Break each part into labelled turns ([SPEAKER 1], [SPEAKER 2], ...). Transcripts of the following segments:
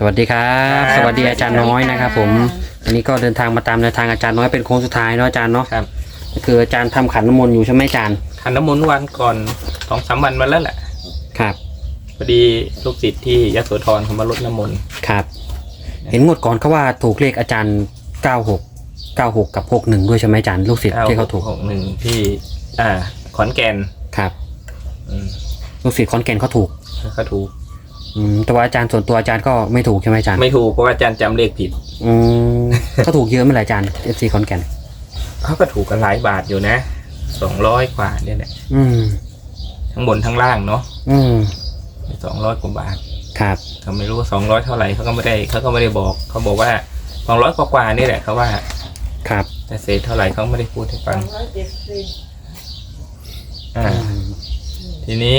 [SPEAKER 1] วัสดีครับสวัสดีอาจารย์น้อยนะครับผมอันนี้ก็เดินทางมาตามแนวทางอาจารย์น้อยเป็นโค้งสุดท้ายเนาะอาจารย์เนาะ
[SPEAKER 2] ครับ
[SPEAKER 1] ก็คืออาจารย์ทำขันน้ำมนต์อยู่ใช่ไหมอาจารย์
[SPEAKER 2] ขันน้ำมนต์วันก่อน2-3 วันมาแล้วแหละ
[SPEAKER 1] ครับ
[SPEAKER 2] พอดีลูกศิษย์ที่ยโสธรเขามารดน้ำมนต์
[SPEAKER 1] ครับเห็นงวดก่อนเขาว่าถูกเลขอาจารย์96กับ61ด้วยใช่ไหมอาจารย์ลูกศิษย์ที่เขาถูก
[SPEAKER 2] 61ที่ขอนแก่น
[SPEAKER 1] ครับลูกศิษย์ขอนแก่นเขาถูกแต่ว่าอาจารย์ส่วนตัวอาจารย์ก็ไม่ถูกใช่ไหมอาจารย์
[SPEAKER 2] ไม่ถูกเพราะว่าอาจารย์จำเลขผิด
[SPEAKER 1] เขาถูกเยอะไหมล่ะอาจารย์ FC ขอนแก่น
[SPEAKER 2] เขาก็ถูกกันหลายบาทอยู่นะ200 กว่าเนี่ยแหละทั้งบนทั้งล่างเนาะ200 กว่าบาท
[SPEAKER 1] ครับ
[SPEAKER 2] เขาไม่รู้ว่า200เท่าไหร่เขาก็ไม่ได้บอกเขาบอกว่า200 กว่านี่แหละเขาว่า
[SPEAKER 1] ครับ
[SPEAKER 2] แต่เศษเท่าไหร่เขาไม่ได้พูดให้ฟังทีนี้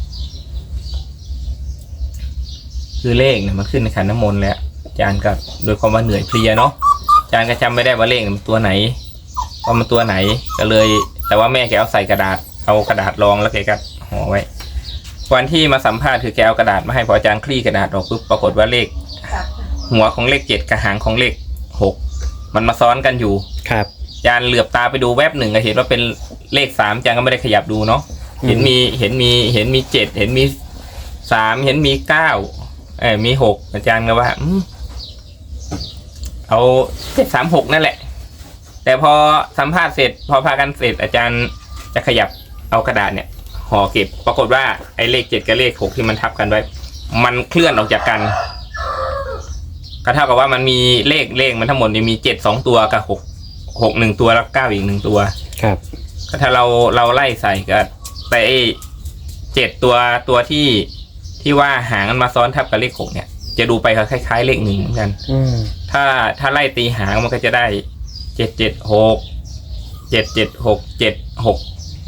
[SPEAKER 2] คือเลขเนี่ยมันขึ้นในขันน้ำมนต์แล้วอาจารย์ก็โดยความว่าเหนื่อยเพลียเนาะอาจารย์ก็จำไม่ได้ว่าเลขมันตัวไหนว่ามันตัวไหนก็เลยแต่ว่าแม่แกเอาใส่กระดาษเอากระดาษรองแล้วแกก็ห่อไว้วันที่มาสัมภาษณ์คือแกเอากระดาษมาให้พออาจารย์คลี่กระดาษออกปุ๊บปรากฏว่าเลขหัวของเลข7กับหางของเลข6มันมาซ้อนกันอยู่
[SPEAKER 1] ครับ
[SPEAKER 2] อาจารย์เหลือบตาไปดูแวบหนึ่งก็เห็นว่าเป็นเลข3อาจารย์ก็ไม่ได้ขยับดูเนาะเห็นมี7เห็นมี3เห็นมี9มี6อาจารย์ก็ว่าเอา36นั่นแหละแต่พอสัมภาษณ์เสร็จพอพากันเสร็จอาจารย์จะขยับเอากระดาษเนี่ยห่อเก็บปรากฏว่าไอ้เลข7กับเลข6ที่มันทับกันไว้มันเคลื่อนออกจากกันก็เท่ากับว่ามันมีเลขมันทั้งหมดมี7 2 ตัวกับ6 1 ตัวแล้ว9อีก1 ตัว
[SPEAKER 1] ครับ
[SPEAKER 2] ก็ถ้าเราไล่ใส่ก็แต่ไอ้7ตัวที่ว่าหางมันมาซ้อนทับกับเลข6เนี่ยจะดูไปคล้ายๆเลข1เหมือนกันถ้าไล่ตีหางมันก็จะได้776 776 76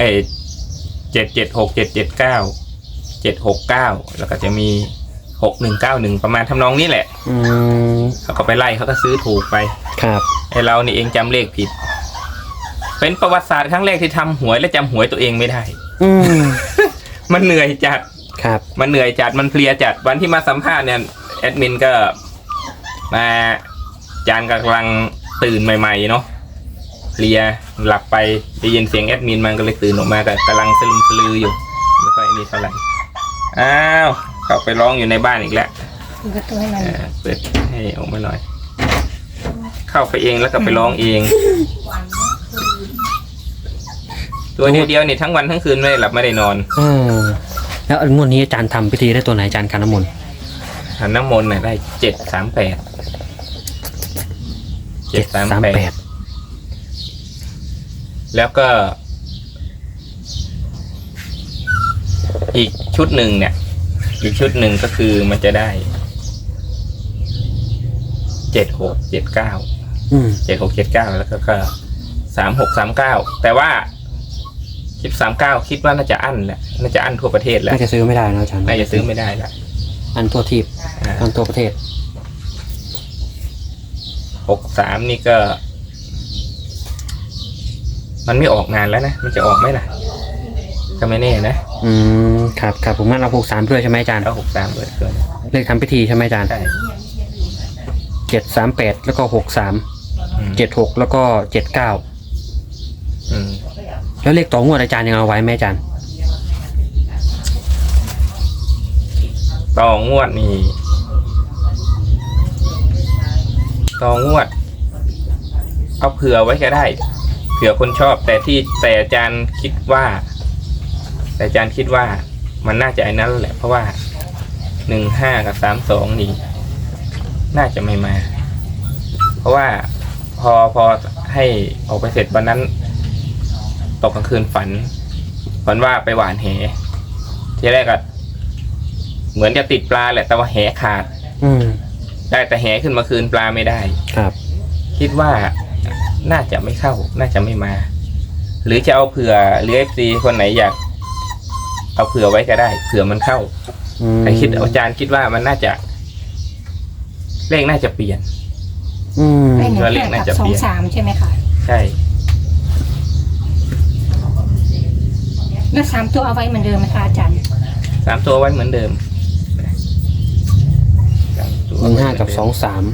[SPEAKER 2] 776 779 769แล้วก็จะมี6191ประมาณทำนองนี้แหละเขาก็ไปไล่เขาก็ซื้อถูกไป
[SPEAKER 1] ครับ
[SPEAKER 2] ไอเรานี่เองจำเลขผิดเป็นประวัติศาสตร์ครั้งแรกที่ทำหวยและจำหวยตัวเองไม่ได้มันเหนื่อยจัด
[SPEAKER 1] ครับ
[SPEAKER 2] มันเหนื่อยจัดมันเพลียจัดวันที่มาสัมภาษณ์เนี่ยแอดมินก็มาจานกำลังตื่นใหม่ๆเนาะเพลียหลับไปได้ยินเสียงแอดมินมันก็เลยตื่นออกมาแต่กำลังสลึมสลืออยู่ไม่ค่อยมีเท่าไหร่อ้าวเข้าไปร้องอยู่ในบ้านอีกแล้วเปิดให้ออกมาหน่อยเข้าไปเองแล้วก็ไปร้องเองตัวเดียวนี่ทั้งวันทั้งคืนไม่ได้หลับไม่ได้นอน
[SPEAKER 1] แล้วงวดนี้อาจารย์ทำพิธีได้ตัวไหนอาจารย์ขันน้ำมนต์
[SPEAKER 2] ขันน้ำมนต์เนี่ยได้738แล้วก็อีกชุดหนึ่งเนี่ยอีกชุดหนึ่งก็คือมันจะได้7679แล้วก็3639แต่ว่า1039คิดว่าน่าจะอั้นแหละน่าจะอั้นทั่วประเทศแล้ว
[SPEAKER 1] น่าจะซื้อไม่ได้นะอาจารย์
[SPEAKER 2] น่าจะซื้อไม่ได้ละ
[SPEAKER 1] อันทั่วทีบอันทั่วประเทศ
[SPEAKER 2] 63นี่ก็มันไม่ออกงานแล้วนะมันจะออกไหมล่ะก็ไม่แน่
[SPEAKER 1] นะครับผมงั้นเอา63ด้วยใช่ไหมอาจารย์
[SPEAKER 2] เอา63ด้วย
[SPEAKER 1] เลขทำพิธีใช่ไหมอาจารย์
[SPEAKER 2] ใช่
[SPEAKER 1] 738แล้วก็63 76แล้วก็79แล้วเลขต่องวดอาจารย์ยังเอาไว้ไหมอาจารย์
[SPEAKER 2] ต่องวดนี่ต่องวดเอาเผื่อไว้ก็ได้เผื่อคนชอบแต่อาจารย์คิดว่ามันน่าจะไอ้นั้นแหละเพราะว่า15กับ32นี่น่าจะไม่มาเพราะว่าพอให้ออกไปเสร็จวันนั้นตกกลางคืนฝันว่าไปหว่านแหทีแรกก็เหมือนจะติดปลาแหละแต่ว่าแหขาดได้แต่แหขึ้นมาคืนปลาไม่ได้
[SPEAKER 1] ครับ
[SPEAKER 2] คิดว่าน่าจะไม่เข้าน่าจะไม่มาหรือจะเอาเผื่อหรือ FC คนไหนอยากเอาเผื่อไว้ก็ได้เผื่อมันเข้าแต่อาจารย์คิดว่ามันน่าจะเลขน่าจะเปลี่ยน
[SPEAKER 3] เลขน่าจะเปลี่ยน23ใช่ไหมคะ
[SPEAKER 2] ใช่
[SPEAKER 3] แล้ว3 ตัวเอาไว้เหมือนเดิมไหมคะอาจารย์
[SPEAKER 2] 3 ตัวไว้เหมือนเดิม3 ตัว
[SPEAKER 1] 15กับ23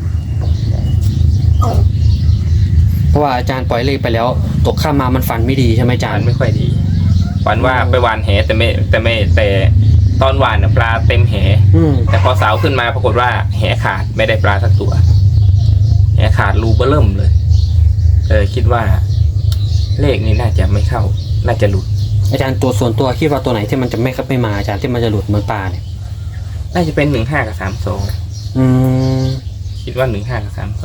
[SPEAKER 1] เพราะว่าอาจารย์ปล่อยเลขไปแล้วตกข้ามมามันฝันไม่ดีใช่ไหมอาจาร
[SPEAKER 2] ฝั
[SPEAKER 1] ย์
[SPEAKER 2] นไม่ค่อยดีฝันว่าไปหวานแหแต่ตอนหวานน่ะปลาเต็มแห แต่พอสาวขึ้นมาปรากฏว่าแหขาดไม่ได้ปลาสักตัวแหขาดรูเบ้อเริ่มเลยคิดว่าเลขนี้น่าจะไม่เข้าน่าจะหลุด
[SPEAKER 1] อาจารย์ตัวส่วนตัวคิดว่าตัวไหนที่มันจะไม่มาอาจารย์ที่มันจะหลุดเหมือนปลาเนี่ย
[SPEAKER 2] น่าจะเป็น15กับ32คิดว่า15กับ32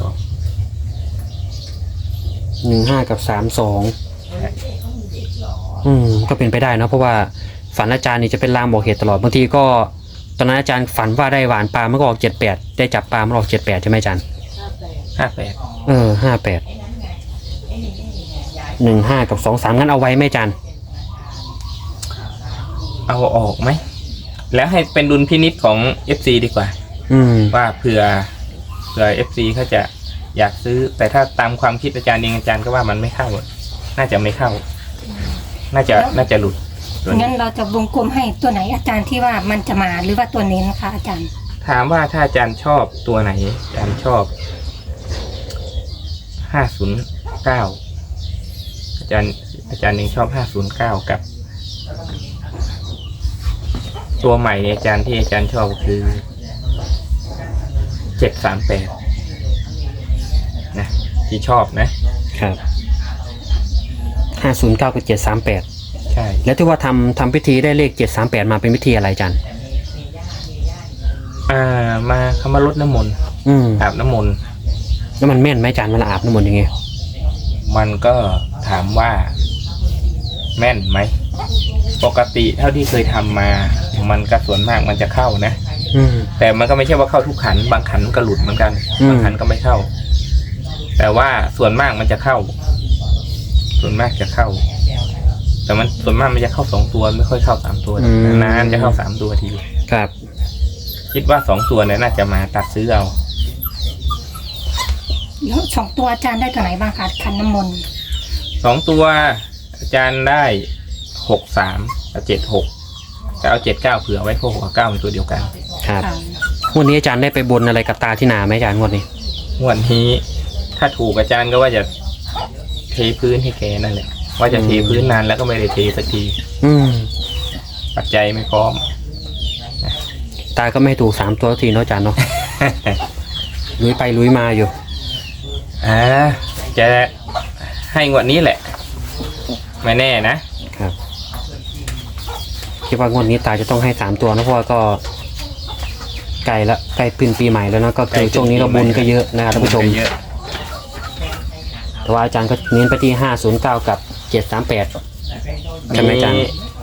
[SPEAKER 1] 15กับ32ก็เป็นไปได้เนอะเพราะว่าฝันอาจารย์นี่จะเป็นลางบอกเหตุตลอดบางทีก็ตอนนั้นอาจารย์ฝันว่าได้หวานปลามันก็ออก78ได้จับปลามันออก78ใช่ไหมอาจารย์
[SPEAKER 2] 58
[SPEAKER 1] 58 15กับ23งั้นเอาไว้ไหมอาจารย์
[SPEAKER 2] เอาออกไหมแล้วให้เป็นดุลพินิจของ FC ดีกว่าว่าเผื่อ FC เขาจะอยากซื้อแต่ถ้าตามความคิดอาจารย์เองอาจารย์ก็ว่ามันไม่เข้าน่าจะไม่เข้าน่าจะหลุด
[SPEAKER 3] งั้นเราจะวงกลมให้ตัวไหนอาจารย์ที่ว่ามันจะมาหรือว่าตัวนี้นะคะอาจารย์
[SPEAKER 2] ถามว่าถ้าอาจารย์ชอบตัวไหนอาจารย์ชอบ509อาจารย์ยังชอบ509กับตัวใหม่อาจารย์ที่อาจารย์ชอบคือ738นะที่ชอบนะครับ
[SPEAKER 1] 509กับ738
[SPEAKER 2] ใช่
[SPEAKER 1] แล้วที่ว่าทำพิธีได้เลข738มาเป็นพิธีอะไรอาจารย์
[SPEAKER 2] มาเขามารดน้ำมนต์อาบน้ำมนต์
[SPEAKER 1] แล้วมันแม่นไหมอาจารย์เวลาอาบน้ำมนต์ยังไง
[SPEAKER 2] มันก็ถามว่าแม่นไหมปกติเท่าที่เคยทำมามันก็ส่วนมากมันจะเข้านะแต่มันก็ไม่ใช่ว่าเข้าทุกขันบางขันก็หลุดเหมือนกันบางขันก็ไม่เข้าแต่ว่าส่วนมากมันจะเข้าส่วนมากจะเข้าแต่มันส่วนมากมันจะเข้า2ตัวไม่ค่อยเข้า3ตัวนานจะเข้า3ตัวที
[SPEAKER 1] ครับ
[SPEAKER 2] คิดว่า2ตัวเนี่ยน่าจะมาตัดซื้อเอา
[SPEAKER 3] แล้ว2ตัวอาจารย์ได้ตัวไหนบ้างคะขันน้ำมนต์
[SPEAKER 2] 2ตัวอาจารย์ได้63กับ76แต่เอา79เผื่อไว้เพราะ69เป็นตัวเดียวกัน
[SPEAKER 1] ครับงวดนี้อาจารย์ได้ไปบนอะไรกับตาที่นาไหมอาจารย์งวดนี้
[SPEAKER 2] ถ้าถูกอาจารย์ก็ว่าจะเทพื้นให้แกนั่นแหละว่าจะเทพื้นนานแล้วก็ไม่ได้เทสักทีปัจจัยไม่พร้อม
[SPEAKER 1] ตาก็ไม่ถูก3ตัวทีเนาะอาจารย์เนาะ ลุยไปลุยมาอยู่
[SPEAKER 2] จะให้งวดนี้แหละไม่แน่นะครับ
[SPEAKER 1] คิดว่างวดนี้ตาจะต้องให้3ตัวนะเพราะว่าก็ใกล้ละใกล้ปีใหม่แล้วนะก็คือช่วงนี้เราบุญก็เยอะนะครับท่านผู้ชมแต่ว่าอาจารย์ก็เน้นไปที่509กับ738ใช่ไหมอาจารย์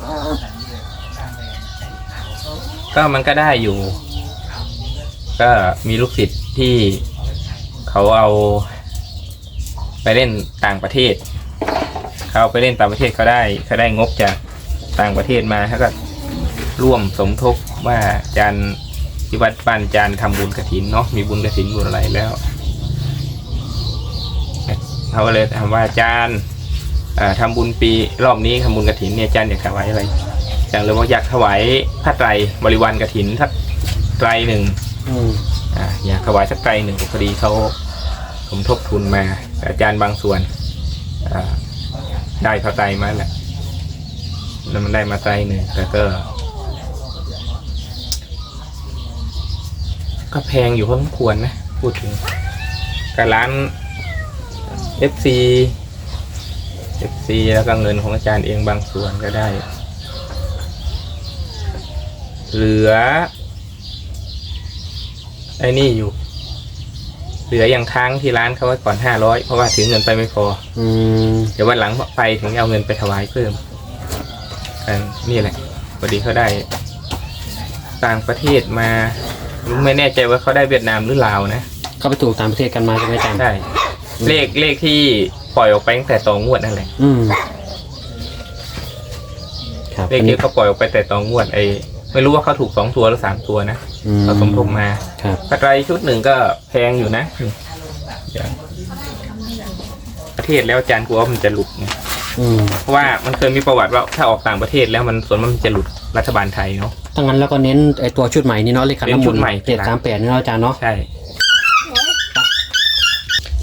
[SPEAKER 2] ก็มันก็ได้อยู่ก็มีลูกศิษย์ที่เขาเอาไปเล่นต่างประเทศเขาไปเล่นต่างประเทศเขาได้งบจากต่างประเทศมาเขาก็ร่วมสมทบว่าอาจารย์ที่วัดบ้านอาจารย์ทำบุญกฐินเนาะมีบุญกฐินบุญอะไรแล้วเขาก็เลยถามว่าอาจารย์ทำบุญปีรอบนี้ทำบุญกฐินเนี่ยอาจารย์อยากถวายอะไรอาจารย์เลยว่าอยากถวายผ้าไตรบริวารกฐินสักไตรหนึ่งอยากถวายสักไตรหนึ่งพอดีเขาสมทบทุนมาอาจารย์บางส่วนได้ผ้าไตรมาแหละแล้วมันได้มาไตรหนึ่งแต่ก็แพงอยู่พอสมควรนะพูดถึงกับร้าน FC แล้วก็เงินของอาจารย์เองบางส่วนก็ได้เหลือไอ้นี่อยู่เหลืออย่างค้างที่ร้านเขาไว้ก่อน500เพราะว่าถือเงินไปไม่พอเดี๋ยววันหลังไปถึงเอาเงินไปถวายเพิ่มนี่แหละพอดีเขาได้ต่างประเทศมาไม่แน่ใจว่าเขาได้เวียดนามหรือลาวนะ
[SPEAKER 1] เขาไปถูกต่างประเทศกันมาใช่ไหมอาจารย์
[SPEAKER 2] ใช่เลขที่ปล่อยออกไปตั้งแต่ต่องวดนั่นแหละเลขที่เขาปล่อยออกไปแต่ต่องวดไม่รู้ว่าเขาถูก2ตัวหรือ3ตัวนะเขาสมทบมาปัจจัยชุดหนึ่งก็แพงอยู่นะประเทศแล้วอาจารย์กลัวว่ามันจะหลุดเพราะว่ามันเคยมีประวัติว่าถ้าออกต่างประเทศแล้วมันส่วนมันจะหลุดรัฐบาลไทยเนาะ
[SPEAKER 1] ถ้างั้นแล้วก็เน้นไอตัวชุดใหม่นี่เนาะเลขขันน้ำมนต์738นี่เนาะอาจารย์เนาะ
[SPEAKER 2] ใช่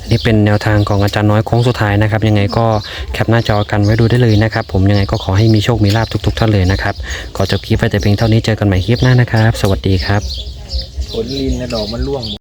[SPEAKER 1] นี่เป็นแนวทางของอาจารย์น้อยโค้งสุดท้ายนะครับยังไงก็แคปหน้าจอกันไว้ดูได้เลยนะครับผมยังไงก็ขอให้มีโชคมีลาภทุกๆท่านเลยนะครับขอจบคลิปไว้แต่เพียงเท่านี้เจอกันใหม่คลิปหน้านะครับสวัสดีครับ
[SPEAKER 2] ผลลินนะดอกมันร่วง